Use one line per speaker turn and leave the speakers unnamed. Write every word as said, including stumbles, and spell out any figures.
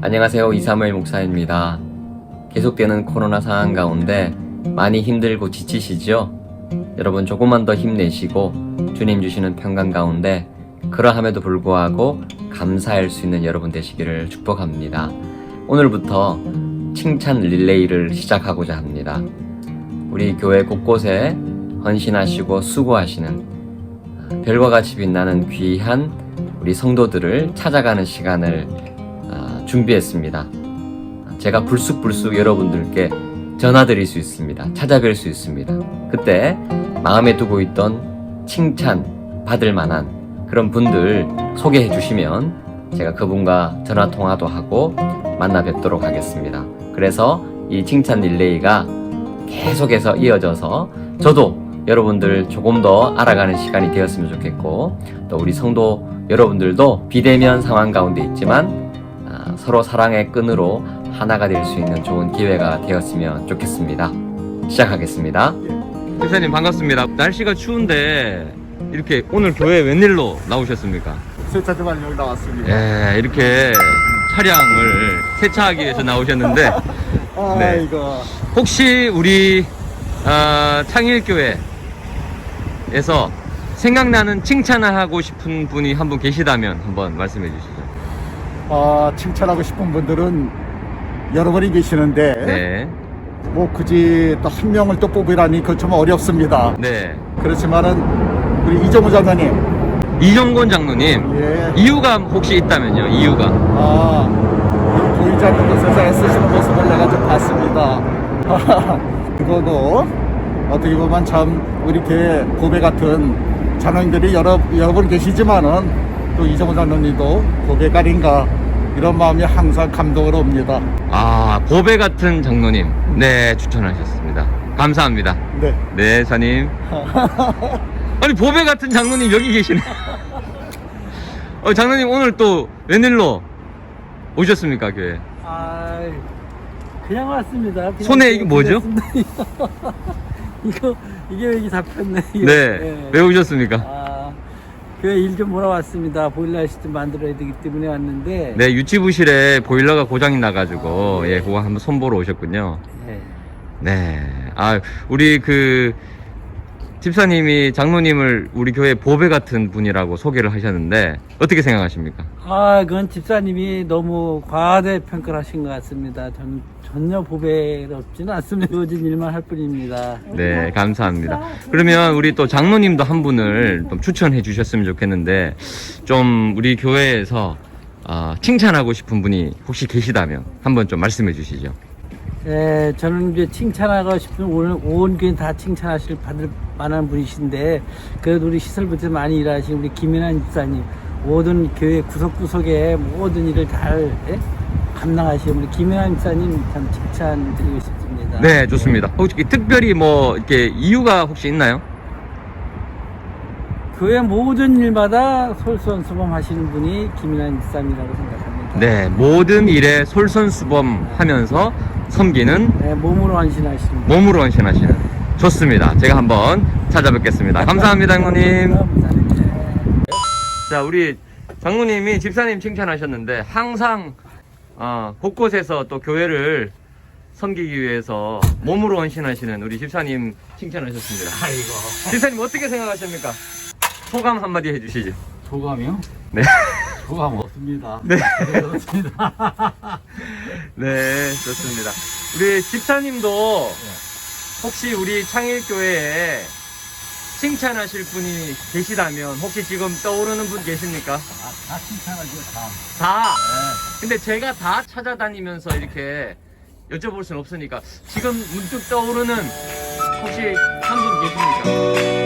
안녕하세요. 이삼일 목사입니다. 계속되는 코로나 상황 가운데 많이 힘들고 지치시죠? 여러분 조금만 더 힘내시고 주님 주시는 평강 가운데 그러함에도 불구하고 감사할 수 있는 여러분 되시기를 축복합니다. 오늘부터 칭찬 릴레이를 시작하고자 합니다. 우리 교회 곳곳에 헌신하시고 수고하시는 별과 같이 빛나는 귀한 우리 성도들을 찾아가는 시간을 준비했습니다. 제가 불쑥불쑥 여러분들께 전화드릴 수 있습니다. 찾아뵐 수 있습니다. 그때 마음에 두고 있던 칭찬 받을 만한 그런 분들 소개해 주시면 제가 그분과 전화 통화도 하고 만나 뵙도록 하겠습니다. 그래서 이 칭찬 릴레이가 계속해서 이어져서 저도 여러분들 조금 더 알아가는 시간이 되었으면 좋겠고, 또 우리 성도 여러분들도 비대면 상황 가운데 있지만 아, 서로 사랑의 끈으로 하나가 될 수 있는 좋은 기회가 되었으면 좋겠습니다. 시작하겠습니다. 집사님 반갑습니다. 날씨가 추운데 이렇게 오늘 교회 웬일로 나오셨습니까?
세차 좀 하려고 나왔습니다.
예, 이렇게 차량을 세차하기 위해서 나오셨는데
아,
네.
이거
혹시 우리 어, 창일교회에서 생각나는 칭찬을 하고 싶은 분이 한 분 계시다면 한번 말씀해 주시죠.
아, 칭찬하고 싶은 분들은 여러 분이 계시는데
네.
뭐 굳이 또 한 명을 또 뽑으라니 그건 좀 어렵습니다.
네.
그렇지만은 우리 이정우 장로님,
이정곤 장로님.
예,
이유가 혹시 있다면요? 이유가.
아, 이 보이지 않는 곳에서 애쓰시는 모습을 내가 좀 봤습니다. 그거도 어떻게 보면 참 우리 교회 고배 같은 장로님들이 여러 여러 분 계시지만은 또 이정우 장로님도 고배가린가 이런 마음이 항상 감동으로 옵니다.
아, 보배 같은 장로님. 네, 추천하셨습니다. 감사합니다.
네.
네, 사님. 아니, 보배 같은 장로님 여기 계시네. 어, 장로님 오늘 또 웬일로 오셨습니까, 교회?
아, 그냥 왔습니다. 그냥
손에 이게 뭐죠?
이거 이게 왜 이게 잡혔네. 이게.
네.
예.
왜 오셨습니까?
아, 교회 일 좀 보러 왔습니다. 보일러 시스템 만들어야 되기 때문에 왔는데.
네, 유치부실에 보일러가 고장이 나가지고, 예, 그거 한번 손보러 오셨군요.
예.
네. 아, 우리 그, 집사님이 장로님을 우리 교회 보배 같은 분이라고 소개를 하셨는데, 어떻게 생각하십니까?
아, 그건 집사님이 너무 과대 평가를 하신 것 같습니다. 전 전혀 보배롭지는 않습니다. 주어진 일만 할 뿐입니다.
네, 감사합니다. 그러면 우리 또 장로님도 한 분을 좀 추천해 주셨으면 좋겠는데, 좀 우리 교회에서 어, 칭찬하고 싶은 분이 혹시 계시다면 한번 좀 말씀해 주시죠.
예, 저는 이제 칭찬하고 싶은 오늘 온 교회 다 칭찬하실 받을 만한 분이신데, 그래도 우리 시설부터 많이 일하신 우리 김연한 집사님, 모든 교회 구석구석에 모든 일을 잘 예? 감당하시는 우리 김연한 집사님 참 칭찬드리고 싶습니다.
네, 좋습니다. 혹시 특별히 뭐 이렇게 이유가 혹시 있나요?
교회 모든 일마다 솔선수범하시는 분이 김연한 집사님이라고 생각합니다.
네, 모든 일에 솔선수범하면서 섬기는
네, 몸으로 헌신하시는 분.
몸으로 헌신하시는. 좋습니다. 제가 한번 찾아뵙겠습니다. 감사합니다, 장로님. 자, 우리 장로님이 집사님 칭찬하셨는데 항상 어, 곳곳에서 또 교회를 섬기기 위해서 몸으로 헌신하시는 우리 집사님 칭찬하셨습니다.
아이고.
집사님 어떻게 생각하십니까? 소감 한마디 해주시죠.
소감이요?
네.
소감 없습니다.
네.
그렇습니다.
네, 좋습니다. 우리 집사님도 혹시 우리 창일교회에 칭찬하실 분이 계시다면 혹시 지금 떠오르는 분 계십니까?
아, 다 칭찬하죠, 다.
다.
네.
근데 제가 다 찾아다니면서 이렇게 여쭤볼 순 없으니까 지금 문득 떠오르는 혹시 한 분 계십니까?